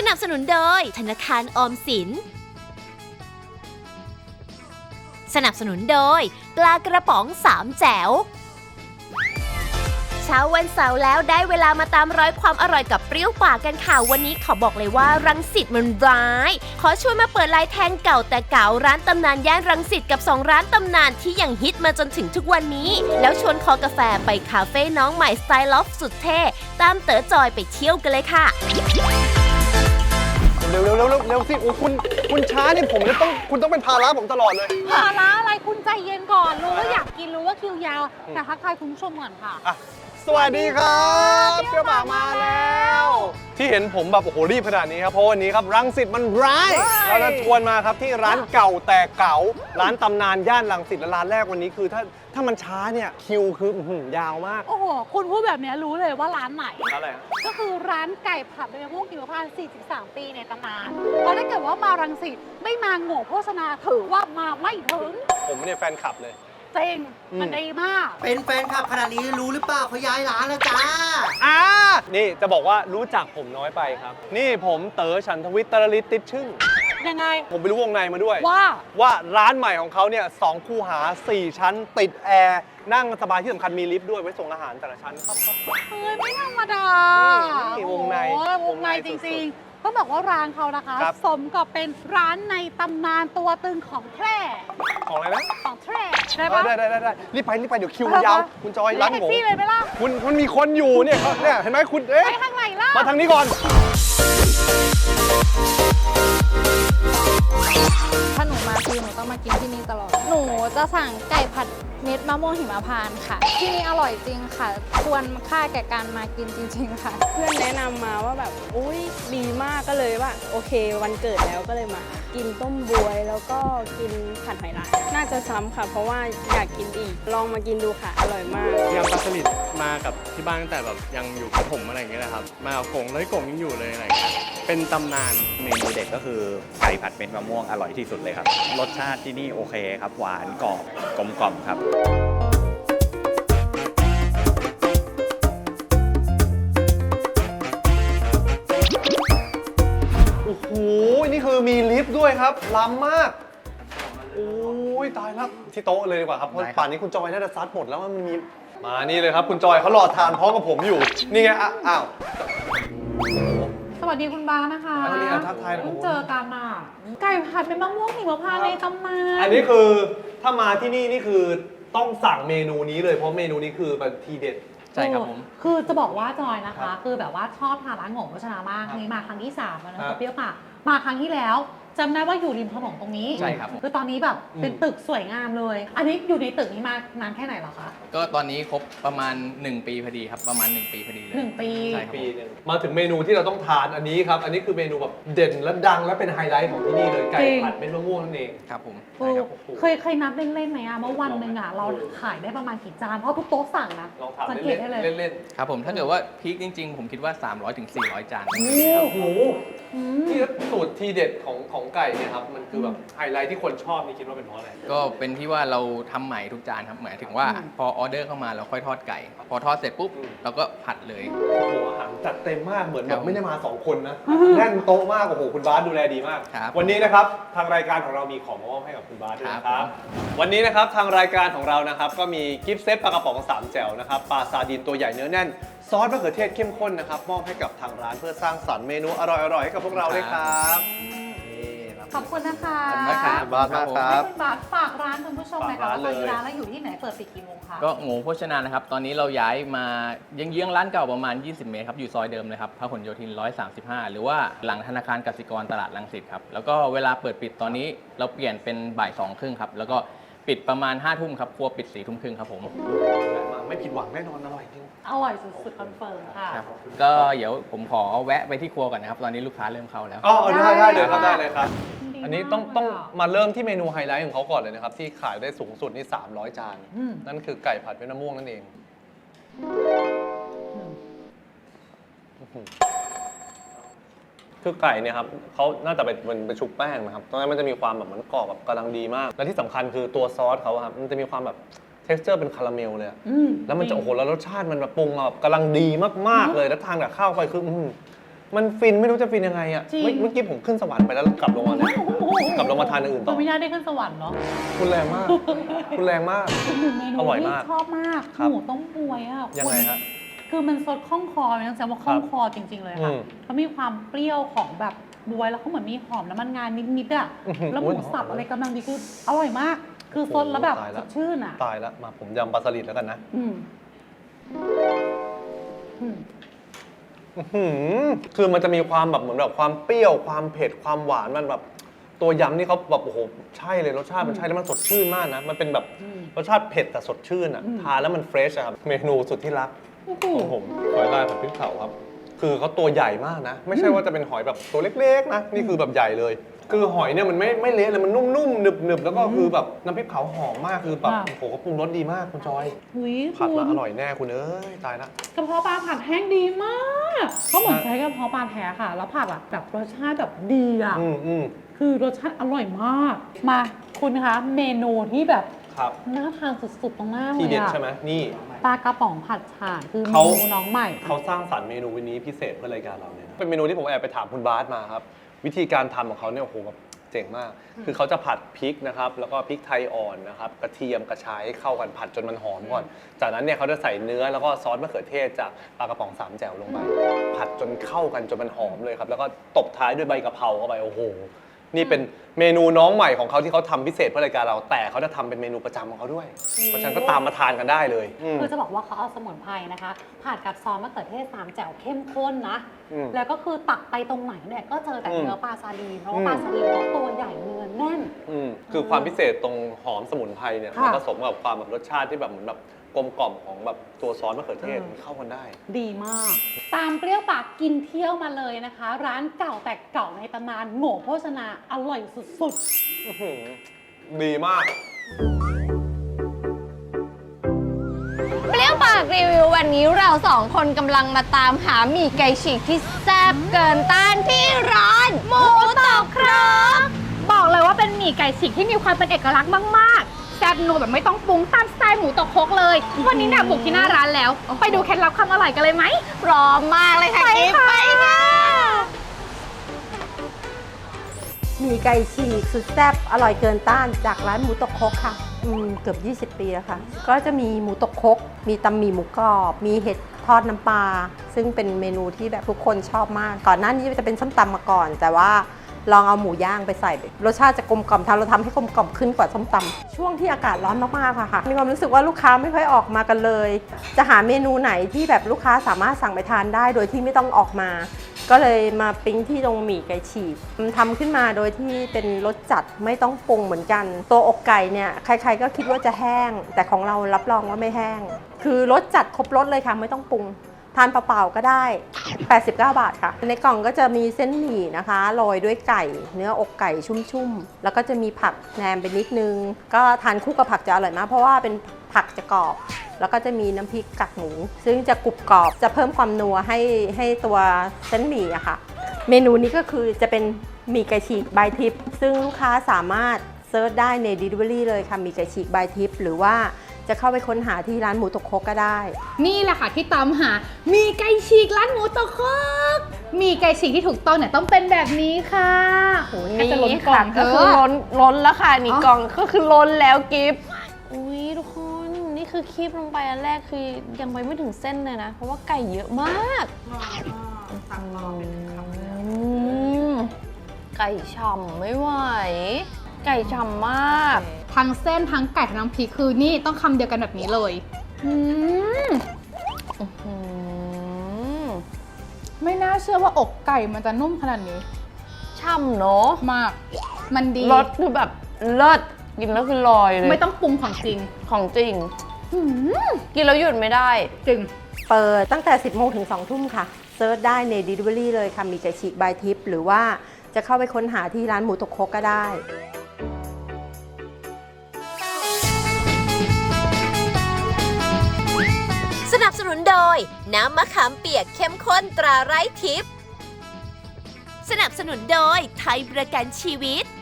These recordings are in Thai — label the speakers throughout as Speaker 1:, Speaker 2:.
Speaker 1: นับสนุนโดยธนาคารออมสินสนับสนุนโดยปลากระป๋องสามแจ๋วเช้าวันเสาร์แล้วได้เวลามาตามร้อยความอร่อยกับเปรี้ยวปากกันค่ะวันนี้เขาบอกเลยว่ารังสิตมันร้ายขอชวนมาเปิดลายแทงเก่าแต่เก่าร้านตำนานย่านรังสิตกับ2ร้านตำนานที่ยังฮิตมาจนถึงทุกวันนี้แล้วชวนคอกาแฟไปคาเฟ่น้องใหม่สไตล์ลอฟสุดเท่ตามเต๋อจอยไปเที่ยวกันเลยค่ะ
Speaker 2: เร็วสิโอ้คุณช้านี่ผมจะต้องคุณต้องเป็นภาระผมตลอดเลย
Speaker 3: ภาระอะไรคุณใจเย็นก่อนรู้ว่าอยากกินรู้ว่าคิวยาวแต่ทักทายคุณผู้ชมก่อนค่ะ
Speaker 2: สวัสดีครับเปรี้ยวปากมาแล้วที่เห็นผมแบบโอ้โหรีบขนาดนี้ครับเพราะวันนี้ครับรังสิตมันร้ายเราจะชวนมาครับที่ร้านเก่าแต่เก่าร้านตำนานย่านรังสิตและร้านแรกวันนี้คือถ้ามันช้าเนี่ยคิวคือยาวมาก
Speaker 3: โอ้โหคุณพูดแบบนี้รู้เลยว่าร้านไหน
Speaker 2: อะไร
Speaker 3: ก็คือร้านไก่ผัดใบมะม่วงหิมพานต์43 ปีในตำนานเพราะถ้าเกิดว่ามารังสิตไม่มาโง่โฆษณาถือว่ามาไม่ถึง
Speaker 2: ผมเนี่ยแฟนคลับเลย
Speaker 3: จริงมันดีมาก
Speaker 4: เป็นแฟนคลับขนาดนี้รู้หรือเปล่าเขาย้ายร้านแล้วจ้า
Speaker 2: นี่จะบอกว่ารู้จักผมน้อยไปครับนี่ผมเต๋อฉันทวิทย์ตรฤทธิ์ติดชึ่ง
Speaker 3: ยังไง
Speaker 2: ผมไปรู้วงในมาด้วย
Speaker 3: ว่า
Speaker 2: ร้านใหม่ของเขาเนี่ย2 คูหา 4 ชั้นติดแอร์นั่งสบายที่สำคัญมีลิฟต์ด้วยไว้ส่งอาหารแต่ละชั้นครับ
Speaker 3: เฮ้ยไม่ธรรมดา
Speaker 2: นี่วงใน
Speaker 3: จริงๆต้องบอกว่าร้านเขานะคะสมกับเป็นร้านในตำนานตัวตึงของแพร่
Speaker 2: ของอะไรนะ
Speaker 3: ของแพร่ได้ปะ
Speaker 2: ได้รีบไปเดี๋ยวคิวยาวคุณจอยร้านหมู
Speaker 3: เลยไหมล่ะ
Speaker 2: คุณมีคนอยู่เนี่ยเห็นไหมคุณ
Speaker 3: ไปทางไหนล่ะ
Speaker 2: มาทางนี้ก่อน
Speaker 5: ถ้าหนูมาคือหนูต้องมากินที่นี่ตลอดหนูจะสั่งไก่ผัดเม็ดมะม่วงหิมพานต์ค่ะที่นี่อร่อยจริงค่ะควรค่าแก่การมากินจริงๆค่ะ
Speaker 6: เพื่อนแนะนำมาว่าแบบอุ้ยดีมากก็เลยว่าโอเควันเกิดแล้วก็เลยมากินต้มบวยแล้วก็กินผัดหอยลายน่าจะซ้ำค่ะเพราะว่าอยากกินอีกลองมากินดูค่ะอร่อยมาก
Speaker 7: ยำปลาสลิดมากับที่บ้านตั้งแต่แบบยังอยู่ประถมอะไรอย่างเงี้ยนะครับมากับกงแล้วกงยังอยู่เลยอะไรอย่างเงี้ยเป็นตำนาน
Speaker 8: เมนูเด็ดก็คือไก่ผัดเม็ดมะม่วงอร่อยที่สุดเลยครับรสชาติที่นี่โอเคครับหวานกรอบกลมกล่อมครับ
Speaker 2: โอ้โหนี่คือมีลิฟต์ด้วยครับล้ำมากโอ้ยตายแล้วที่โต๊ะเลยดีกว่าครับเพราะป่านนี้คุณจอยน่าจะซัดหมดแล้วมันมีมานี่เลยครับคุณจอยเขารอทานพร้อมกับผมอยู่นี่ไงอ้าว
Speaker 3: สวัสดีคุณบานะคะ
Speaker 2: สวัสดีทักทาย
Speaker 3: เพิ่งเจอกันอ่ะไก่ผัดเป็นมะม่วงหิมพานต์ในตำนาน
Speaker 2: อันนี้คือถ้ามาที่นี่คือต้องสั่งเมนูนี้เลยเพราะเมนูนี้คือแบบทีเด็ด
Speaker 7: ใช่ครับผม
Speaker 3: คือจะบอกว่าจอยนะคะคือแบบว่าชอบทานร้านหงโภชนามากนี่มาครั้งที่3แล้วนะเปรี้ยวปากมาครั้งที่แล้วจำได้ว่าอยู่ริมถนนตรงนี้
Speaker 7: ใช่ครับ
Speaker 3: คือตอนนี้แบบเป็นตึกสวยงามเลยอันนี้อยู่ในตึกนี้มานานแค่ไหนหรอคะ
Speaker 7: ก็ตอนนี้ครบประมาณ1 ปีพอดีครับประมาณ1 ปีพอดีเลย
Speaker 3: 1 ปี
Speaker 7: ใช่ปี
Speaker 2: นึงมาถึงเมนูที่เราต้องทานอันนี้ครับอันนี้คือเมนูแบบเด่นและดังและเป็นไฮไลท์ของที่นี่เลยไก่ผัดเม็ดมะม่วงนั่นเอง
Speaker 7: ครับผม
Speaker 3: เคยนับเล่นๆไหมอะเมื่อวันหนึ่งอะเราขายได้ประมาณกี่จานเพราะทุกโต๊ะสั่งนะสังเกตได้เลย
Speaker 2: เล่น
Speaker 7: ๆครับผมถ้าเกิดว่าพีคจริงๆผมคิดว่า300 ถึง 400 จาน
Speaker 2: โอ้โหนี่สูตรทีเด็ดของไก่เนี่ยครับมันคือแบบไฮไลท์ที่คนชอบนี่คิดว่าเป็นเพราะอะไร
Speaker 7: ก็เป็นที่ว่าเราทำใหม่ทุกจานครับหมายถึงว่าพอออเดอร์เข้ามาเราค่อยทอดไก่พอทอดเสร็จปุ๊บเราก็ผัดเลย
Speaker 2: โอ้โหอาหารจัดเต็มมากเหมือนแบบไม่ได้มา2 คนนะแน่นโต๊ะมากโอ้โหคุณบาสดูแลดีมากวันนี้นะครับทางรายการของเรามีของมามอบให้กับคุณบาสด้วยนะครับวันนี้นะครับทางรายการของเรานะครับก็มีกิฟต์เซตปลากระป๋อง3 แจ่วนะครับปลาซาดีนตัวใหญ่เนื้อแน่นซอสมะเขือเทศเข้มข้นนะครับมอบให้กับทางร้านเพื่อสร้างสรรค์เมนูอร่อยๆให้กับพวกเราด้วยครับ
Speaker 3: ขอบคุณนะคะ
Speaker 2: ขอบคุณครับบาสมากครับ
Speaker 3: ให้คุณบาสฝากร้านคุณผู้ชมหน่อยค่ะว่าตอนนี้ร้านเราอยู่ที่ไหนเปิดปิดกี่โมงคะ
Speaker 7: ก็โง่โภชนานะครับตอนนี้เราย้ายมาเยื้องร้านเก่าประมาณ20 เมตรครับอยู่ซอยเดิมเลยครับพหลโยธิน135หรือว่าหลังธนาคารกสิกรตลาดรังสิตครับแล้วก็เวลาเปิดปิดตอนนี้เราเปลี่ยนเป็นบ่าย2 ครึ่งครับแล้วก็ปิดประมาณ5 ทุ่มครับครัวปิด4 ทุ่มครึ่งครับผม
Speaker 2: ไม่ผิดหวังแน่นอนอร่อยจริง
Speaker 3: อร่อยสุดๆคอนเฟิร์มค่ะ
Speaker 7: ก็เดี๋ยวผมขอแวะไปที่ครัวก่อนนะครับตอนนี้ลูกค้าเริ่มเข้าแล้ว
Speaker 2: ได้เลยครับได้เลยครับอันนี้ต้องมาเริ่มที่เมนูไฮไลท์ของเขาก่อนเลยนะครับที่ขายได้สูงสุดนี่300 จานนั่นคือไก่ผัดเม็ดมะม่วงนั่นเองคือไก่เนี่ยครับเขาน่าจะเป็นชุบแป้งนะครับตอนนั้นมันจะมีความแบบมันกรอบแบบกำลังดีมากและที่สำคัญคือตัวซอสเขาครับมันจะมีความแบบtexture เป็นคาราเมลเลยแล้วมันจะโอ้โหแล้วรสชาติมันแบบปรุงมาแบบกำลังดีมากๆเลยแล้วทานกับข้าวไปคือมันฟินไม่รู้จะฟินยังไงอ่ะ
Speaker 3: จริง
Speaker 2: เมื่อกี้ผมขึ้นสวรรค์ไปแล้วกลับลงมาเนี่ยกลับลงมาทานอย่างอื่นต่
Speaker 3: คุ
Speaker 2: อ
Speaker 3: ณไม่น่าได้ขึ้นสวรรค์เนาะ
Speaker 2: คุณแรงมาก คุณแรงมาก
Speaker 3: อีกหนึ่งเมนู
Speaker 2: อร่อย
Speaker 3: ที่
Speaker 2: มาก
Speaker 3: ชอบมาก
Speaker 2: ครับ
Speaker 3: หมูต้มบวยอ่ะ
Speaker 2: ยังไงฮะ
Speaker 3: คือมันสดคล่องคอเลยต้องแซวว่าคล่องคอจริง ๆ เลยค่ะ
Speaker 2: อืม
Speaker 3: เขามีความเปรี้ยวของแบบบวยแล้วเขาเหมือนมีหอมน้ำมันงานิดๆอ่ะ
Speaker 2: อื้อหือ
Speaker 3: แล้วหมูสับอะไรกำลังดีคืออร่อยมาก คือสดแล้วแบบ
Speaker 2: โอ้โหตาย
Speaker 3: ส
Speaker 2: แล้ว
Speaker 3: ดชื่นอ่ะ
Speaker 2: ตายแล้วมาผมยำปลาสลิดแล้วกันนะ
Speaker 3: อืมอืม
Speaker 2: อื้อหือคือมันจะมีความแบบเหมือนแบบความเปรี้ยวความเผ็ดความหวานมันแบบตัวยำนี่เขาแบบโอ้โหใช่เลยรสชาติมันใช่แล้วมันสดชื่นมากนะมันเป็นแบบรสชาติเผ็ดแต่สดชื่นอ่ะทานแล้วมันเฟรชอะครับเมนูสุดที่รักของผมหอยลายผัดพริกเผาครับคือเขาตัวใหญ่มากนะ ไม่ใช่ว่าจะเป็นหอยแบบตัวเล็กๆนะนี่คือแบบใหญ่เลย คือหอยเนี่ยมันไม่เละเลยมันนุ่มๆหนึบๆแล้วก็คือแบบน้ำพริกเผาหอมมากคือแบบโอ้โหเขาปรุงรสดีมากคุณจอย
Speaker 3: หุย
Speaker 2: ผัด
Speaker 3: คุ
Speaker 2: มา
Speaker 3: ณ
Speaker 2: อร่อยแน่คุณเอ้ยตายละ
Speaker 3: กระเพาะปลาผัดแห้งดีมากเขาเหมือนใช้กระเพาะปลาแท้ค่ะ แล้วผัดอะแบบรสชาติแบบดีอ่ะ
Speaker 2: อืม
Speaker 3: คือรสชาติอร่อยมาก มาคุณคะเมนูที่แบบ
Speaker 2: ครับ
Speaker 3: น่าทานสุดๆตรงหน้าเล
Speaker 2: ที่
Speaker 3: ย
Speaker 2: เด็ด
Speaker 3: อะ
Speaker 2: ใช่ไหมนี่
Speaker 3: ปลากระป๋องผัดฉ่าคือเม
Speaker 2: เขา
Speaker 3: นูน้องใหม่
Speaker 2: เขาสร้างสรรค์เมนูวันนี้พิเศษเพื่อรายการเราเนี่ยนะเป็นเมนูที่ผมแอบไปถามคุณบาสมาครับ วิธีการทำของเขาเนี่ยโอ้โหแบบเจ๋งมาก คือเขาจะผัดพริกนะครับแล้วก็พริกไทยอ่อนนะครับกระเทียมกระชายให้เข้ากันผัดจนมันหอมก่อน จากนั้นเนี่ยเขาจะใส่เนื้อแล้วก็ซอสมะเขือเทศจากปลากระป๋องสามแจ่วลงไปผัดจนเข้ากันจนมันหอมเลยครับแล้วก็ตบท้ายด้วยใบกะเพราเข้าไปโอ้โหนี่เป็นเมนูน้องใหม่ของเขาที่เขาทำพิเศษเพื่อรายการเราแต่เขาจะทำเป็นเมนูประจำของเขาด้วยเพราะฉะนั้นก็ตามมาทานกันได้เลยอืม
Speaker 3: คือจะบอกว่าเขาเอาสมุนไพรนะคะผัดกับซอสมะเขือเทศสามแจ่วเข้มข้นนะ
Speaker 2: อืม
Speaker 3: แล้วก็คือตักไปตรงไหนเนี่ยก็เจอแต่
Speaker 2: อืม
Speaker 3: เนื้อปลาซาดีนเพราะว่าปลาซาดีนเขาตัวใหญ่เนื้อแน่น
Speaker 2: คือความพิเศษตรงหอมสมุนไพรเนี่ย
Speaker 3: ค่ะ
Speaker 2: มันผสมกับความแบบรสชาติที่แบบเหมือนแบบกลมกล่อมของแบบตัวซอสมะเขือเทศมันเข้ากันได้
Speaker 3: ดีมาก ตามเปรี้ยวปากกินเที่ยวมาเลยนะคะ ร้านเก่าแต่เก่าในตำนานโง่โภชนาอร่อยสุด
Speaker 2: อื้อหือดีมาก
Speaker 9: เปรี้ยวปากรีวิววันนี้เราสองคนกำลังมาตามหาหมี่ไก่ฉีกที่แซ่บเกินต้านที่ร้านหมูตอกครก
Speaker 5: บอกเลยว่าเป็นหมี่ไก่ฉีกที่มีความเป็นเอกลักษณ์มากๆแซ่บนัวแบบไม่ต้องปรุงตามสไตล์หมูตกครกเลย วันนี้เนี่ยบุกที่หน้าร้านแล้ว ไปดูเคล็ดลับความอร่อยกันเลยไหม
Speaker 9: พร้อมมากเลยค่ะกิ๊ฟไปค่ะ
Speaker 10: หมี่ไก่ฉีกสุดแซ่บอร่อยเกินต้านจากร้านหมูตกครกค่ะเกือบ 20 ปีแล้วค่ะ ก็จะมีหมูตกครกมีตำหมี่หมูกรอบ มีเห็ดทอดน้ำปลาซึ่งเป็นเมนูที่แบบทุกคนชอบมาก ก่อนหน้านี้จะเป็นส้มตำมาก่อน แต่ว่าลองเอาหมูย่างไปใส่รสชาติจะกลมกล่อมเราทำให้กลมกล่อมขึ้นกว่าส้มตำช่วงที่อากาศร้อนมากๆค่ะมีความรู้สึกว่าลูกค้าไม่ค่อยออกมากันเลย จะหาเมนูไหนที่แบบลูกค้าสามารถสั่งไปทานได้โดยที่ไม่ต้องออกมา ก็เลยมาปิ๊งที่ตรงหมี่ไก่ฉีกทำขึ้นมาโดยที่เป็นรสจัดไม่ต้องปรุงเหมือนกัน ตัวอกไก่เนี่ยใครๆก็คิดว่าจะแห้ง แต่ของเรารับรองว่าไม่แห้ง คือรสจัดครบรสเลยค่ะไม่ต้องปรุง ทานเปล่าๆก็ได้ 89 บาทค่ะ ในกล่องก็จะมีเส้นหมี่นะคะโรยด้วยไก่ เนื้ออกไก่ชุ่มๆ แล้วก็จะมีผักแหนมไปนิดนึง ก็ทานคู่กับผักจะอร่อยมาก เพราะว่าเป็นผักจะกรอบ แล้วก็จะมีน้ำพริกกากหมู ซึ่งจะกรุบกรอบ จะเพิ่มความนัวให้ตัวเส้นหมี่อะค่ะ เมนูนี้ก็คือจะเป็นหมี่ไก่ฉีกบายทิป ซึ่งลูกค้าสามารถเซิร์ชได้ใน Delivery เลยค่ะหมี่ไก่ฉีกบายทิป หรือว่าจะเข้าไปค้นหาที่ร้านหมูตกครกก็ได้
Speaker 5: นี่แหละค่ะที่ตามหาหมี่ไก่ฉีกร้านหมูตกครกหมี่ไก่ฉีกที่ถูกต้องเนี่ยต้องเป็นแบบนี้ค่ะโหน่าจะล้นกล่อง
Speaker 9: ก็คือล้นแล้วค่ะนี่กล่องก็คือล้นแล้วกิฟ
Speaker 11: อุ้ยทุกคนนี่คือคีบลงไปอันแรกคือยังไปไม่ถึงเส้นเลยนะ เพราะว่าไก่เยอะมากไก่ฉ่ำไม่ไหวไก่ฉ่ำมาก
Speaker 5: ทั้งเส้นทั้งไก่ทั้งน้ำพริกคือนี่ต้องคำเดียวกันแบบนี้เลยไม่น่าเชื่อว่าอกไก่มันจะนุ่มขนาดนี้
Speaker 11: ฉ่ำเนาะ
Speaker 5: มาก มันดี
Speaker 11: รสคือแบบเลิศกินแล้วคือลอยเลย
Speaker 5: ไม่ต้องปรุงของจริง
Speaker 11: ของจริงกินแล้วหยุดไม่ได้
Speaker 5: จริง
Speaker 10: เปิดตั้งแต่ 10 โมงถึง 2 ทุ่มค่ะ เซิร์ชได้ใน Delivery เลยค่ะ มีไก่ฉีกบายทิป หรือว่าจะเข้าไปค้นหาที่ร้านหมูตกครกก็ได้
Speaker 1: สนับสนุนโดย น้ำมะขามเปียกเข้มข้นตราไร้ทิพย์สนับสนุนโดยไทยประกันชีวิต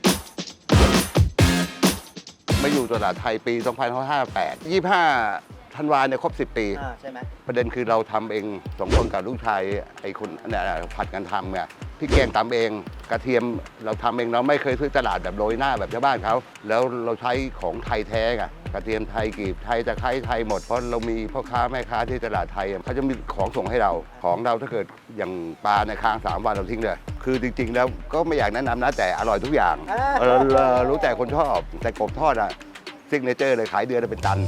Speaker 12: มาอยู่ตลาดไทยปี 2558 25 ธันวาเนี่ยครบ 10 ปี
Speaker 4: ใช่ไหม
Speaker 12: ประเด็นคือเราทำเอง2 คนกับลูกชายไอ้คนเนี่ยผัดกันทำไงพี่แกงตำเองกระเทียมเราทำเองเราไม่เคยซื้อตลาดแบบโรยหน้าแบบชาวบ้านเขาแล้วเราใช้ของไทยแท้ไงกระเทียมไทยกรีบไทยตะไคร้ไทยหมดเพราะเรามีพ่อค้าแม่ค้าที่ตลาดไทยเขาจะมีของส่งให้เราของเราถ้าเกิดอย่างปลาในค้าง3 วันเราทิ้งเลยคือจริงๆแล้วก็ไม่อยากแนะนำนะแต่อร่อยทุกอย่างรู้แต่คนชอบแต่กบทอดอะซิกเนเจอร์เลยขายเดือนละเป็นตัน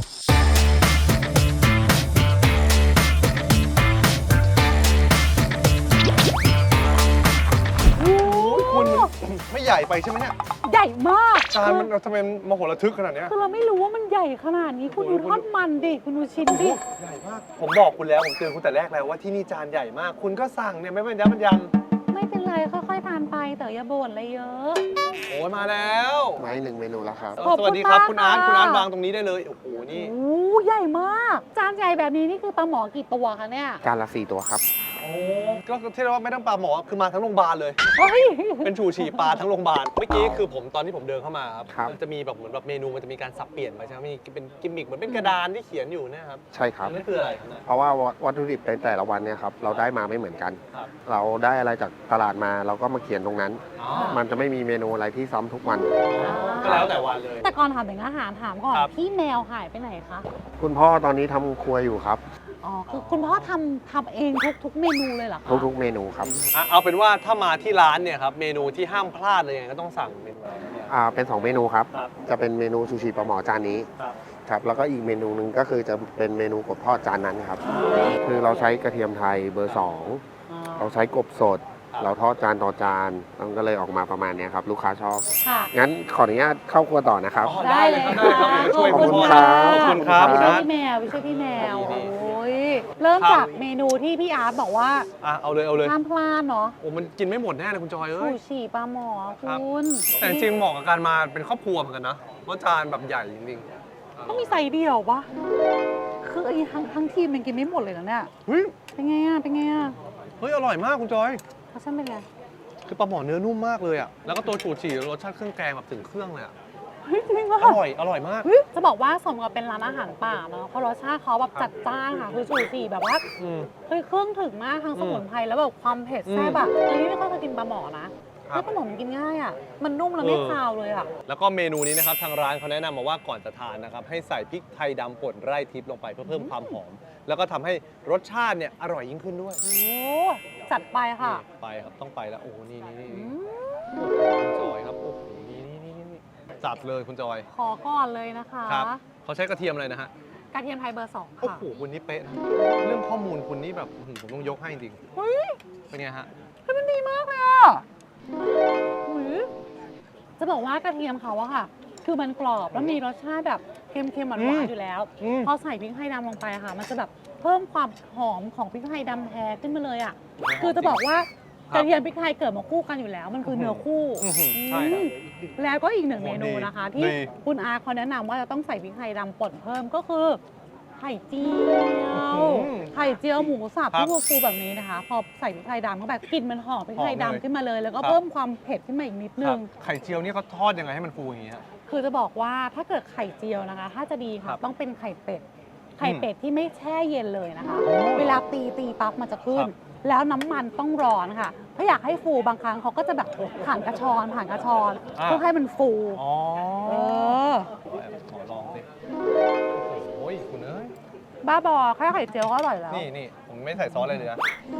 Speaker 2: คุณไม่ใหญ่ไปใช่ไหมเนี่ย
Speaker 3: ใหญ่มาก
Speaker 2: จานมันทำไมมโหฬารทึกขนาดเนี้ย
Speaker 3: คือเราไม่รู้ว่ามันใหญ่ขนาดนี้คุณดูทอดมันดิคุณดูชิ้นดิ
Speaker 2: ใหญ่มากผมบอกคุณแล้วผมเตือนคุณแต่แรกแล้วว่าที่นี่จานใหญ่มาก คุณก็สั่งเนี่ยไม่เป็นยับมันยัง
Speaker 3: ไม่เป็นไรค่อยๆทานไปแต่อย่าบ่นอะไรเยอะ
Speaker 2: โอ้ยมาแล้ว
Speaker 13: ไม้1 เมนูแล้วครับ
Speaker 2: สวัสดีครับคุณอาร์ต
Speaker 3: ขอบ
Speaker 2: คุ
Speaker 3: คุณ ณ
Speaker 2: อา
Speaker 3: มาก
Speaker 2: ร์ต
Speaker 3: ค่ะ
Speaker 2: วางตรงนี้ได้เลยโอ้โหนี่
Speaker 3: โอ้ใหญ่มาก จานใหญ่แบบนี้นี่คือปลาหมอกี่ตัวคะเนี่ย
Speaker 13: จานละ 4 ตัวครับ
Speaker 2: โอ้ก็ที่เรียกว่าไม่ต้องปลาหมอคือมาทั้งโรงพยาบาลเลย
Speaker 3: เฮ้ย
Speaker 2: เป็นฉู่ฉี่ปลาทั้งโรงพยาบาลเมื่อกี้คือผมตอนที่ผมเดินเข้ามาครับ
Speaker 13: ครับ
Speaker 2: มันจะมีแบบเหมือนแบบเมนูมันจะมีการสับเปลี่ยนไปใช่ไหมมีเป็นกิมมิคเหมือนเป็นกระดานที่เขียนอยู่เนะครับ
Speaker 13: ใช่ครับ
Speaker 2: นั่นคืออะไรครับเนี่ย
Speaker 13: เพราะว่าวัตถุดิบในแต่ละวันเนี่ยครับเราได้มาไม่เหมือนกัน
Speaker 2: ครับ
Speaker 13: เราได้อะไรจากตลาดมาเราก็มาเขียนตรงนั้น
Speaker 2: อ๋อ
Speaker 13: มันจะไม่มีเมนูอะไรที่ซ้ำทุกวัน
Speaker 2: ก็แล้วแต่วันเลย
Speaker 3: แต่ก่อนถามถึงอาหารถามก่อน
Speaker 2: ครับ
Speaker 3: พี่แมวหายไปไหนคะ
Speaker 13: คุณพ่อตอนนี้ทำครัวอยู่ครับ
Speaker 3: อ๋อคือคุณพ่อทำเองทุกเมนูเลยเหรอคะ
Speaker 13: ทุกๆเมนูครับ
Speaker 2: เอาเป็นว่าถ้ามาที่ร้านเนี่ยครับเมนูที่ห้ามพลาดเลยยังไงก็ต้องสั่งเมนูอะไรเนี่ย
Speaker 13: เป็น 2 เมนูครับ
Speaker 2: ครับ
Speaker 13: จะเป็นเมนูซูชิปลาหมอจานนี้
Speaker 2: ครับ
Speaker 13: ครับแล้วก็อีกเมนูหนึ่งก็คือจะเป็นเมนูกบทอดจานนั้นครับ คือเราใช้กระเทียมไทยเบอร์ 2 เราใช้กบสด เราทอดจานต่อจานมันก็เลยออกมาประมาณเนี้ยครับลูกค้าชอบ
Speaker 3: ค่ะ
Speaker 13: งั้นขออนุญาตเข้าครัวต่อนะครับ
Speaker 2: อ๋อ
Speaker 3: ได้เลย
Speaker 2: ได้ครับ
Speaker 3: ค่ะ
Speaker 2: ช่วย
Speaker 3: ขอบคุณ
Speaker 2: ณ
Speaker 13: ครั
Speaker 2: พ่อบ ขอบคุณครับ
Speaker 13: ขอบ
Speaker 2: คุณ
Speaker 13: ณ
Speaker 2: อาร์ต
Speaker 3: พี่แมวไม่ใช่พี่แมว
Speaker 2: นี่
Speaker 3: โอ้ยเริ่ม
Speaker 2: ครับ
Speaker 3: จากเมนูที่พี่อาร์ตบอกว่า
Speaker 2: เอาเลยเอาเลย
Speaker 3: ห้ามพลาดเนาะ
Speaker 2: โอ้มันกินไม่หมดแน่เลยคุณจอย
Speaker 3: ฉู
Speaker 2: เอ้ย
Speaker 3: ฉี่ปลาหมอ
Speaker 2: ครับ
Speaker 3: คุณ
Speaker 2: แต่จริงๆเหมาะกับการมาเป็นครอบครัวเหมือนกันนะว่าจานแบบใหญ่จริง
Speaker 3: ต้องมีไซส์เดียวปะคือไอ้ทั้งทีมมันกินไม่หมดเลยนะเนี่ย
Speaker 2: เฮ้ย
Speaker 3: เป็นไงอ่ะเป็นไงอ่ะ
Speaker 2: เฮ้ยอร่อยมากคุณจอย
Speaker 3: เขาช่างเป็นไง
Speaker 2: คือปลาหมอเนื้อนุ่มมากเลยอ่ะแล้วก็ตัวฉูฉี่รสชาติเครื่องแกงแบบถึงเครื่องเลยอ่ะ
Speaker 3: เฮ้ยจริงปะ
Speaker 2: อร่อยมาก
Speaker 3: เฮ้ยจะบอกว่าสมกับเป็นร้านอาหารป่าเนาะเพราะรสชาติเขาแบบจัดจ้านค่ะคือฉูฉี่แบบว่า
Speaker 2: อืม
Speaker 3: เฮ้ยเครื่องถึงมากทั้งสมุนไพรแล้วแบบความเผ็ดแซ่บอะอันนี้ไม่ค่อยเคยกินปลาหมอนะ
Speaker 2: ครั
Speaker 3: เฮ้
Speaker 2: บ
Speaker 3: ยปลาหมอมันกินง่ายอะมันนุ่มแล้วไม่คาวเลยอะ
Speaker 2: แล้วก็เมนูนี้นะครับทางร้านเขาแนะนำมาว่าก่อนจะทานนะครับให้ใส่พริกไทยดำป่นไร่ทิพย์ลงไปเพื่อเพิ่มความหอม แล้วก็ทำให้รสชาติเนี่ยอร่อยยิ่งขึ้นด้วย
Speaker 3: โอ้จัดไปค่ะ
Speaker 2: นี่ไปครับต้องไปแล้วโอ้โหนี่
Speaker 3: อื
Speaker 2: โอ้
Speaker 3: ม
Speaker 2: โหคุณจอยครับโอ้โหนี่จัดเลยคุณจอย
Speaker 3: ขอก่อนเลยนะคะ
Speaker 2: ครับเขาใช้กระเทียมอะไรนะฮะ
Speaker 3: กระเทียมไทยเบอร์ 2
Speaker 2: โอ้
Speaker 3: ค่ะ
Speaker 2: โหคุณนี่เป๊ะนะเรื่องข้อมูลคุณนี่แบบผมต้องยกให้จริง
Speaker 3: เฮ้ย
Speaker 2: เป็นไงฮะ
Speaker 3: มันดีมากเลยอะอุ๊ยจะบอกว่ากระเทียมเขาอะค่ะ คือมันกรอบแล้วมีรสชาติแบบเค็มๆหวานๆอยู่แล้ว พอใส่พริกไทยดำลงไปค่ะ มันจะแบบเพิ่มความหอมของพริกไทยดำแท้ขึ้นมาเลยอะคือจะบอกว่ากระเทียมพริกไทยเกิดมาคู่กันอยู่แล้ว มันคือเนื้อคู่
Speaker 2: ใช่ครับ
Speaker 3: แล้วก็อีกหนึ่ง
Speaker 2: โอ้
Speaker 3: เม
Speaker 2: โห
Speaker 3: นู
Speaker 2: ดี
Speaker 3: นะคะ ที่
Speaker 2: ดี
Speaker 3: คุณอาเขาแนะนำว่าจะต้องใส่พริกไทยดำป่นเพิ่มก็คือไข่เจียวไข่เจียวหมูสับ
Speaker 2: ครับ
Speaker 3: ที่ฟูๆแบบนี้นะคะ พอใส่พริกไทยดำเข้าไปกลิ่นมันหอมพริกไทย
Speaker 2: หอมเลย
Speaker 3: ดำขึ้นมาเลย แล้วก็
Speaker 2: ครับ
Speaker 3: เพิ่มความเผ็ดขึ้นมาอีกนิดนึ
Speaker 2: ครั
Speaker 3: ง
Speaker 2: บไข่เจียวนี่เขาทอดยังไงให้มันฟูอย่างนี้ฮะ
Speaker 3: คือจะบอกว่าถ้าเกิดไข่เจียวนะคะ ถ้าจะดี
Speaker 2: ครั
Speaker 3: ค่ะ
Speaker 2: บ
Speaker 3: ต้องเป็นไข่เป็ด ไข่เป็ดที่ไม่แช่เย็นเลยนะคะ
Speaker 2: โอ้
Speaker 3: เวลาตีปั๊บมันจะขึ้น
Speaker 2: ครับ
Speaker 3: แล้วน้ำมันต้องร้อนค่ะ ถ้าอยากให้ฟูบางครั้งเขาก็จะแบบผ่านกระชอนเพื่อให้มันฟู
Speaker 2: อ๋อ
Speaker 3: เออ
Speaker 2: ขอลองสิโอ้ยคุณเอ้ย
Speaker 3: บ้าบอแค่ไข่เจียวก็อร่อยแล้ว
Speaker 2: นี่ผมไม่ใส่ซอสอะไรเลยนะ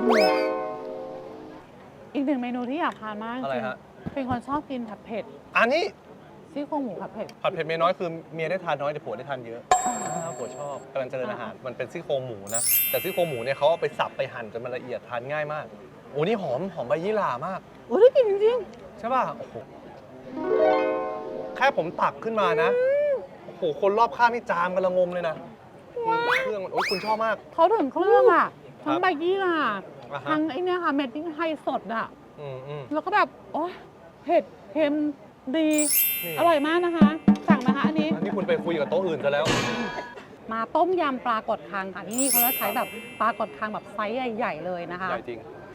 Speaker 3: อีกหนึ่งเมนูที่อยากทานมากจ
Speaker 2: อะไร
Speaker 3: ริง
Speaker 2: ฮะ
Speaker 3: ๆเป็นคนชอบกินผัดเผ็ด
Speaker 2: อันนี้
Speaker 3: ซี่โครงหมูผัดเผ็ด
Speaker 2: ผัดเผ็ดเมียน้อยคือเมียได้ทานน้อยแต่ผัวได้ทานเยอะผัวชอบกำลังเจริญอาหารมันเป็นซี่โครงหมูนะแต่ซี่โครงหมูเนี่ยเขาเอาไปสับไปหั่นจนมันละเอียดทานง่ายมากโอ้นี่หอมใบยี่หร่ามาก
Speaker 3: โอ้ยได้กลินจริง
Speaker 2: ใช่ป่ะโอ้โหแค่ผมตักขึ้นมานะโอ้โหคนรอบข้างนี่จามกันละงมเลยนะเครื่องมันโอ้ยคุณชอบมาก
Speaker 3: ๆเขาถึงเครื่องอ่ะ ทั้ง
Speaker 2: ครับ
Speaker 3: ใบยี่หร่า
Speaker 2: อ่าฮะ
Speaker 3: ทั้งไอ้เนี่ยค่ะเม็ดพริกไทยสดอ่ะ
Speaker 2: อืม
Speaker 3: แล้วก็แบบ โอ้ยเผ็ดเค็มดี
Speaker 2: นี่
Speaker 3: อร่อยมากนะคะ สั่งนะคะอันนี้
Speaker 2: อันนี้คุณไปคุยกับโต๊ะอื่นซะแล้ว
Speaker 3: มาต้มยำปลากดคังค่ะที่นี่เขาจะใช้แบบปลากดคังแบบไซส์ใหญ่ๆเลยนะคะ
Speaker 2: ใหญ่จริง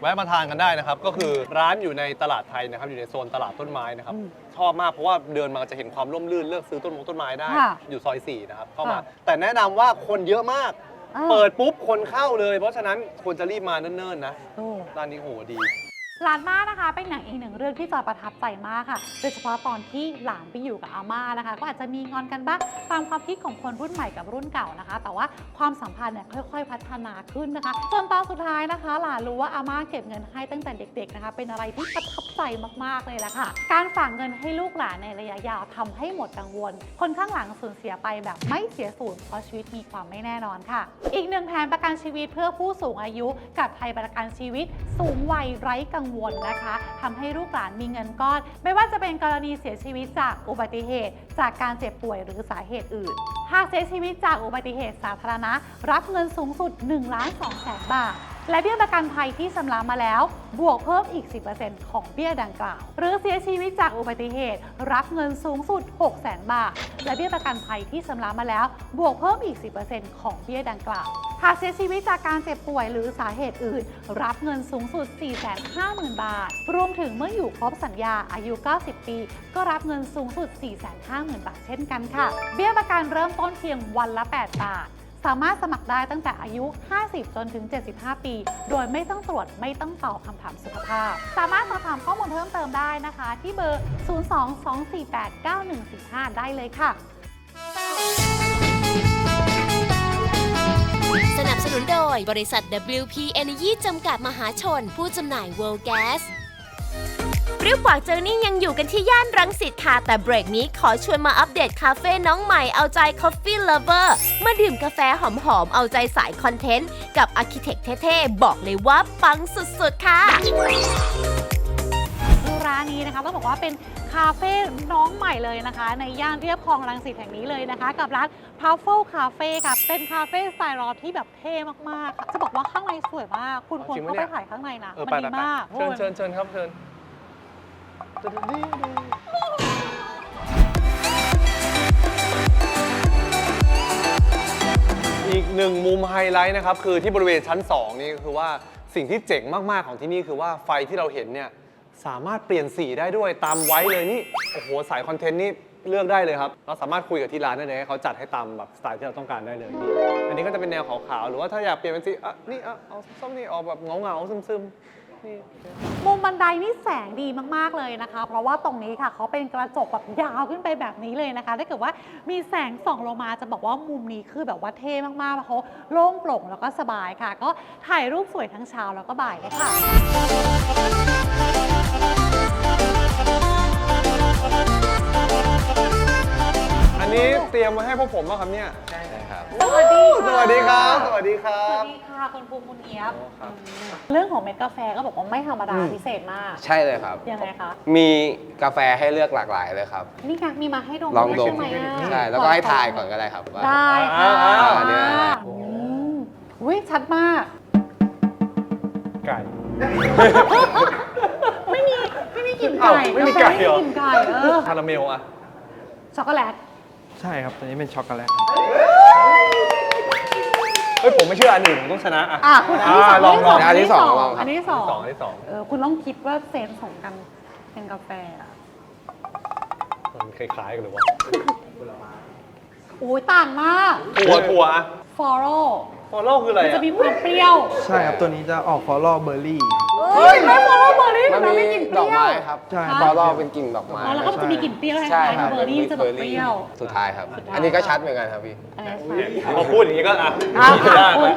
Speaker 2: แวะมาทานกันได้นะครับก็คือร้านอยู่ในตลาดไทยนะครับอยู่ในโซนตลาดต้นไม้นะครับชอบมากเพราะว่าเดินมาจะเห็นความร่มรื่นเลือกซื้อต้นไม้ได้อยู่ซอย4นะครับเข้ามาแต่แนะนำว่าคนเยอะมากเปิดปุ๊บคนเข้าเลยเพราะฉะนั้นควรจะรีบมาเนิ่นๆนะร้านนี้โหดี
Speaker 3: ร้านม่านะคะเป็นหนังอีกหนึ่งเรื่องที่จอยประทับใจมากค่ะโดยเฉพาะตอนที่หลานไปอยู่กับอาม่านะคะก็อาจจะมีงอนกันบ้างตามความคิดของคนรุ่นใหม่กับรุ่นเก่านะคะแต่ว่าความสัมพันธ์เนี่ยค่อยๆพัฒนาขึ้นนะคะจนตอนสุดท้ายนะคะหลานรู้ว่าอาม่าเก็บเงินให้ตั้งแต่เด็กๆนะคะเป็นอะไรที่ประทับใจมากๆเลยแหละค่ะการฝากเงินให้ลูกหลานในระยะยาวทำให้หมดกังวลคนข้างหลังสูญเสียไปแบบไม่เสียสูญเพราะชีวิตมีความไม่แน่นอนค่ะอีกหนึ่งแผนประกันชีวิตเพื่อผู้สูงอายุกับไทยประกันชีวิตสูงวัยไร้กังวลนะคะทำให้ลูกหลานมีเงินก้อนไม่ว่าจะเป็นกรณีเสียชีวิตจากอุบัติเหตุจากการเจ็บป่วยหรือสาเหตุอื่นหากเสียชีวิตจากอุบัติเหตุสาธารณะรับเงินสูงสุด 1,200,000 บาทและเบี้ยประกันภัยที่ชำระมาแล้วบวกเพิ่มอีก 10% ของเบี้ยดังกล่าวหรือเสียชีวิตจากอุบัติเหตุรับเงินสูงสุด 600,000 บาทและเบี้ยประกันภัยที่ชำระมาแล้วบวกเพิ่มอีก 10% ของเบี้ยดังกล่าวหากเสียชีวิตจากการเจ็บป่วยหรือสาเหตุอื่นรับเงินสูงสุด 450,000 บาทรวมถึงเมื่ออยู่ครบสัญญาอายุ 90 ปีก็รับเงินสูงสุด 450,000 บาทเช่นกันค่ะเบี้ยประกันเริ่มต้นเพียงวันละ 8 บาทสามารถสมัครได้ตั้งแต่อายุ 50 จนถึง 75 ปี โดยไม่ต้องตรวจไม่ต้องตอบคำถามสุขภาพสามารถสอบถามข้อมูลเพิ่มเติมได้นะคะที่เบอร์ 02-248-9145 ได้เลยค่ะ
Speaker 1: สนับสนุนโดยบริษัท WP Energy จำกัดมหาชนผู้จำหน่าย World Gasเปรี้ยวปากเจอนี่ยังอยู่กันที่ย่านรังสิตค่ะแต่เบรกนี้ขอชวนมาอัปเดตคาเฟ่น้องใหม่เอาใจ Coffee Lover มาดื่มกาแฟหอมๆเอาใจสายคอนเทนต์กับอาร์คิเทคเท่ๆบอกเลยว่าปังสุดๆค่ะ
Speaker 3: ร้านนี้นะคะต้องบอกว่าเป็นคาเฟ่น้องใหม่เลยนะคะในย่านเรียบคลองรังสิตแห่งนี้เลยนะคะกับร้าน Truffle Cafe ค่ะเป็นคาเฟ่สไตล์รอที่แบบเท่มากๆค่ะจะบอกว่าข้างในสวยมากคุณควรเข้าไปถ่ายข้างในนะมันดีมาก
Speaker 2: เชิญครับเชิญอีกหนึ่งมุมไฮไลท์นะครับคือที่บริเวณชั้น2นี่คือว่าสิ่งที่เจ๋งมากๆของที่นี่คือว่าไฟที่เราเห็นเนี่ยสามารถเปลี่ยนสีได้ด้วยตามไว้เลยนี่โอ้โหสายคอนเทนต์นี่เลือกได้เลยครับเราสามารถคุยกับที่ร้านได้เลยให้เขาจัดให้ตามแบบสไตล์ที่เราต้องการได้เลยนี่อันนี้ก็จะเป็นแนวขาวๆหรือว่าถ้าอยากเปลี่ยนเป็นสีนี่เอาส้มนี่ออกแบบเงาๆซึมๆ
Speaker 3: มุมบันไดนี่แสงดีมากๆเลยนะคะเพราะว่าตรงนี้ค่ะเขาเป็นกระจกแบบยาวขึ้นไปแบบนี้เลยนะคะถ้าเกิดว่ามีแสงส่องลงมาจะบอกว่ามุมนี้คือแบบว่าเท่มากๆเพราะเขาโล่งโปร่งแล้วก็สบายค่ะก็ถ่ายรูปสวยทั้งเช้าแล้วก็บ่ายเลยค่ะ
Speaker 2: อันนี้เตรียมมาให้พวกผมป่ะครับเนี่ย
Speaker 7: ใช่ครับ
Speaker 3: สวัสดีค่ะ
Speaker 2: สวัสดีครับสวัสดีครับ
Speaker 3: สวัสดีค่ะคุณภูมิคุณเอี๊ยบเรื่องของเม็ดกาแฟก็บอกว่าไม่ธรรมดาพิเศษมาก
Speaker 14: ใช่เลยครับ
Speaker 3: ยังไงคะ
Speaker 14: มีกาแฟให้เลือกหลากหลายเลยครับ
Speaker 3: นี่ค่ะมีมาให้ดม
Speaker 14: ลองดม
Speaker 3: ใช่ไหม
Speaker 14: ใช่แล้วก็ให้ทายก่อนก็ได้ครับว่า
Speaker 3: ได้ค่ะ
Speaker 14: อันนี้
Speaker 3: วิชัดมาก
Speaker 2: ไก่
Speaker 3: ไม่มีกลิ่นไก่
Speaker 2: ไม่มีไก่เหรอ
Speaker 3: ไม่มีกลิ่นไก่
Speaker 2: คาราเมลอะ
Speaker 3: ช็อกโกแลต
Speaker 15: ใช่ครับตัวนี้เป็นช็อกโกแลต
Speaker 2: เฮ้ยผมไม่เชื่ออันอื่นผมต้องชนะ
Speaker 3: คุณอันที่สอง
Speaker 2: ลอง
Speaker 14: อันที่สอง
Speaker 3: อันที่สอง คุณต้องคิดว่าเซนส์ของกันเป็นกาแฟ
Speaker 2: มันคล้ายๆกันเลยวะ
Speaker 3: โอ้ยต่างมาก
Speaker 2: ถั่ว
Speaker 3: ฟอโร่
Speaker 2: คืออะไร
Speaker 3: มันจะมีความเปรี้ยว
Speaker 15: ใช่ครับตัวนี้จะออกฟอลล์เบอร์รี่
Speaker 3: ไม่ฟอโล่เบอร์รี่มันไม่กลิ่นเปรี้ยว
Speaker 14: ดอกไม้ครับฟอลล์เป็นกลิ่นดอกไม้
Speaker 3: แล้วก็จะมีกลิ่นเปรี้ยวคล้ายๆเบอร์รี่จะแบบเปรี้ยว
Speaker 14: สุดท้ายครับอันนี้ก็ชัดเหมือนกันครับพี่
Speaker 2: พอพูดอย่างนี้ก็ยากเลย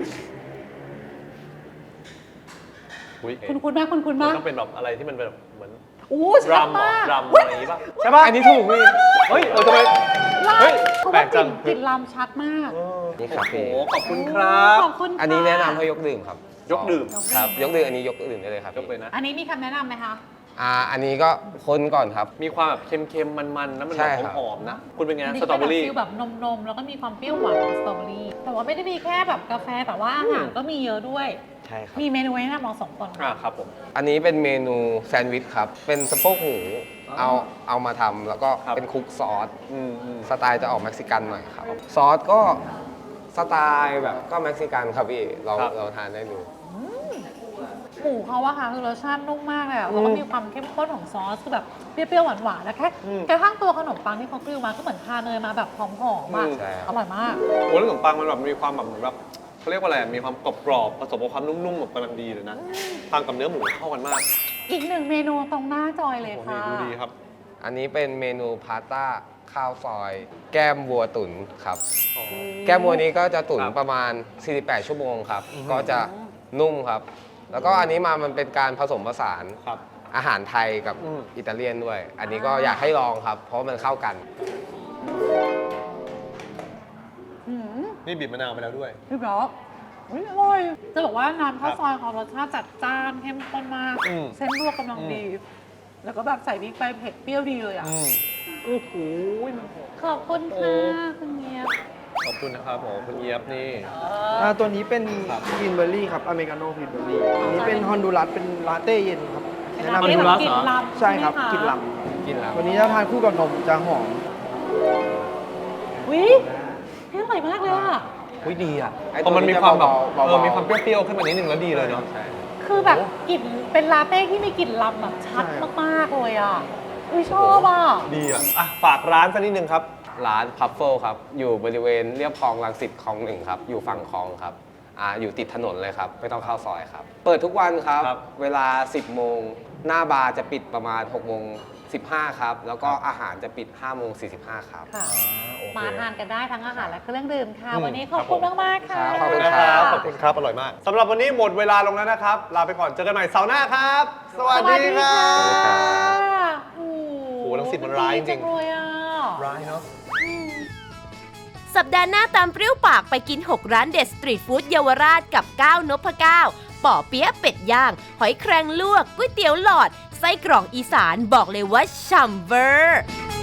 Speaker 3: คุณมากคุณมาก
Speaker 2: ต้องเป็นแบบอะไรที่มันแบบเหมือน
Speaker 3: ชัดมาก
Speaker 2: รำอะไรอย่างนี้ป่ะใช่ป่ะอันนี้ถูกพี่เฮ้ยทำไม
Speaker 3: แปลกจังกลิ่นรำชัดมาก
Speaker 14: นี่ครับพี่
Speaker 2: ขอบคุณครับ
Speaker 14: อันนี้แนะนำให้ยกดื่มครับ
Speaker 2: ยกดื่ม
Speaker 14: ครับยกดื่มอันนี้ยกดื่มได้เลยครับ
Speaker 2: ยกเลยนะ
Speaker 3: อันนี้มีคำแนะนำไหมคะ
Speaker 14: อันนี้ก็คนก่อนครับ
Speaker 2: มีความแบบเค็มๆมันๆน้ำมันหอมๆนะคุณเป็นไงสตรอเบอรี่
Speaker 3: แบบนมแล้วก็มีความเปรี้ยวหวานของสตรอเบอรี่แต่ว่าไม่ได้มีแค่แบบกาแฟแต่ว่าอาหารก็มีเยอะด้วย
Speaker 14: ใช่ครับ
Speaker 3: มีเมนูให้นำเรา2 คน
Speaker 2: ครับผม
Speaker 14: อันนี้เป็นเมนูแซนด์วิชครับเป็นสะโพกหมูเอามาทำแล้วก็เป็นคลุกซอสสไตล์จะออกเม็กซิกันหน่อยครับซอสก็สไตล์แบบก็เม็กซิกันครับพี่เราทานได้ดู
Speaker 3: หมูเขาอะค่ะคือรสชาตินุ่มมากเลยอะแล้วก็มีความเข้มข้นของซอสคือแบบเปรี้ยวๆหวานๆแล้วแค่ข้างตัวขนมปังที่เขากริ้วมาก็เหมือนทาเนยมาแบบหอมๆอะอร่อยมาก
Speaker 2: โอ้แล้วขนมปังมันแบบมีความแบบเหมือนแบบเขาเรียกว่าอะไรมีความกรอบๆผสมกับความนุ่มๆแบบกำลังดีเลยนะทานกับเนื้อหมูเข้ากันมาก
Speaker 3: อีกหนึ่งเมนูตรงหน้าจอยเลยค่ะ
Speaker 2: ดูดีครับ
Speaker 14: อันนี้เป็นเมนูพาสต้าข้าวซอย แก้มวัวตุ๋นครับ แก้มวัวนี้ก็จะตุ๋นประมาณ 48 ชั่วโมงครับ ก็จะนุ่มครับ แล้วก็อันนี้มันเป็นการผสมผสานอาหารไทยกับอิตาเลียนด้วย อันนี้ก็อยากให้ลองครับ เพราะมันเข้ากัน
Speaker 2: นี่บีบมะนาวไปแล้วด้วย
Speaker 3: พี่บล็อกอร่อยจะบอกว่าน้ำข้าวซอยของรสชาติจัดจ้านเข้มข้นมาก เส้นลวกกำลังดี แล้วก็แบบใส่พริกไปเผ็ดเปรี้ยวดีเลยอ่ะโอ้โหขอบคุณค่ะคุณเงียบ
Speaker 2: ขอบคุณนะครับผมคุณเอียบนี่
Speaker 15: ตัวนี้เป็นกรีนเบอร์รี่ครับ อเมริกาโน่กรีนเบอร์รี่อันนี้เป็นฮอนดูรัส เป็นลาเต้เย็นครับ
Speaker 3: เป็นลาเต้แบบกลิ่นลำ
Speaker 15: ใช่ครับ
Speaker 3: ใช่ไหมคะ
Speaker 15: กลิ่นล
Speaker 14: กินแล้ว
Speaker 15: ำวันนี้ถ้าทานคู่กับนมจะหอม
Speaker 3: วิอร่อยมากเลยอ่ะ
Speaker 2: อุ้ยดีอ่ะ
Speaker 14: ไอ้
Speaker 2: พอมันมีความแบบ
Speaker 14: เบาๆ
Speaker 2: มีความเปรี้ยวๆขึ้นมานิดนึงแล้วดีเลยเนาะ
Speaker 3: คือแบบกลิ่นเป็นลาเต้ที่มีกลิ่นลำแบบชัดมากๆเลยอ่ะอุ้ยชอบอ่ะ
Speaker 2: ดีอ่ะฝากร้านสักนิดนึงครับ
Speaker 14: ร้านพัฟเฟิลครับ อยู่บริเวณเรียบคลองรังสิตคลอง1ครับ อยู่ฝั่งคลองครับ อยู่ติดถนนเลยครับ ไม่ต้องเข้าซอยครับ เปิดทุกวันครับ เวลา 10 โมง หน้าบาร์จะปิดประมาณ 6 โมง 15 ครับ แล้วก็อาหารจะปิด 5 โมง 45 ครับ
Speaker 3: ค่ะมาทานกันได้ทั้งอาหารและเครื่องดื่มค่ะ วันนี้ขอบคุณมากๆค่ะ
Speaker 2: ขอบคุณครับขอบคุณครับ อร่อยมากสำหรับวันนี้หมดเวลาลงแล้วนะครับ ลาไปก่อน เจอกันใหม่เสาร์หน้าครับ สวัสดีครับ
Speaker 3: โอ้
Speaker 2: โหรังสิตมันร้ายจริง
Speaker 3: ๆเลยอ่ะ
Speaker 2: ร้ายเนาะ
Speaker 1: สัปดาห์หน้าตามเปรี้ยวปากไปกิน 6 ร้านเด็ดสตรีทฟู้ดเยาวราชกับก้าวนพเก้าป่อเปี๊ยะเป็ดย่าง หอยแครงลวกก๋วยเตี๋ยวหลอด ไส้กรอกอีสานบอกเลยว่าฉ่ำเวอร์